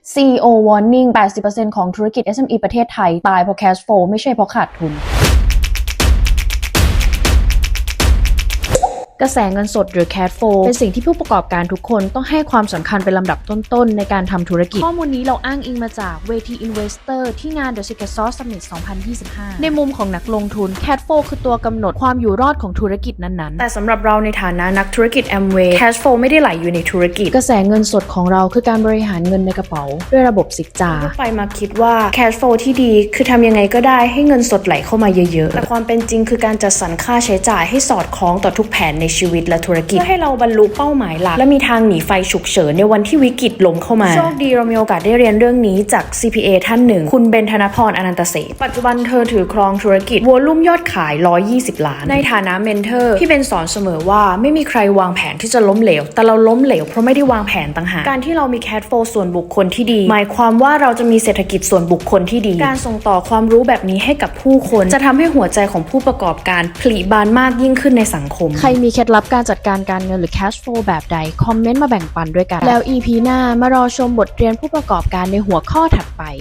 CEO Warning 80% ของธุรกิจ SME ประเทศไทยตายเพราะ cash flow ไม่ใช่เพราะขาดทุนกระแสเงินสดหรือ cash flow เป็นสิ่งที่ผู้ประกอบการทุกคนต้องให้ความสำคัญเป็นลำดับต้นๆในการทำธุรกิจข้อมูลนี้เราอ้างอิงมาจากเวที Investor ที่งาน The Secret Sauce Summit 2025 ในมุมของนักลงทุน cash flow คือตัวกำหนดความอยู่รอดของธุรกิจนั้นๆแต่สำหรับเราในฐานะนักธุรกิจ Amway cash flow ไม่ได้ไหลอยู่ในธุรกิจกระแสเงินสดของเราคือการบริหารเงินในกระเป๋าด้วยระบบซิกจาไปมาคิดว่า cash flow ที่ดีคือทำยังไงก็ได้ให้เงินสดไหลเข้ามาเยอะๆแต่ความเป็นจริงคือการจัดสรรค่าใช้จ่ายให้สอดคล้องต่อทุกแผนในชีวิตและธุรกิจเพื่อให้เราบรรลุเป้าหมายหลักและมีทางหนีไฟฉุกเฉินในวันที่วิกฤตล้มเข้ามาโชคดีเรามีโอกาสได้เรียนเรื่องนี้จาก CPA ท่านหนึ่งคุณเบนธนพรอนันตเสถีปัจจุบันเธอถือครองธุรกิจวอลุ่มยอดขาย120 ล้านในฐานะเมนเทอร์พี่เบนสอนเสมอว่าไม่มีใครวางแผนที่จะล้มเหลวแต่เราล้มเหลวเพราะไม่ได้วางแผนต่างหากการที่เรามี cash flow ส่วนบุคคลที่ดีหมายความว่าเราจะมีเศรษฐกิจส่วนบุคคลที่ดีการส่งต่อความรู้แบบนี้ให้กับผู้คนจะทำให้หัวใจของผู้ประกอบการผลิบานมากยิ่งขึ้นในสังคมใครมีเคล็ดลับการจัดการการเงินหรือ cash flow แบบใดคอมเมนต์มาแบ่งปันด้วยกันแล้ว EP หน้ามารอชมบทเรียนผู้ประกอบการในหัวข้อถัดไป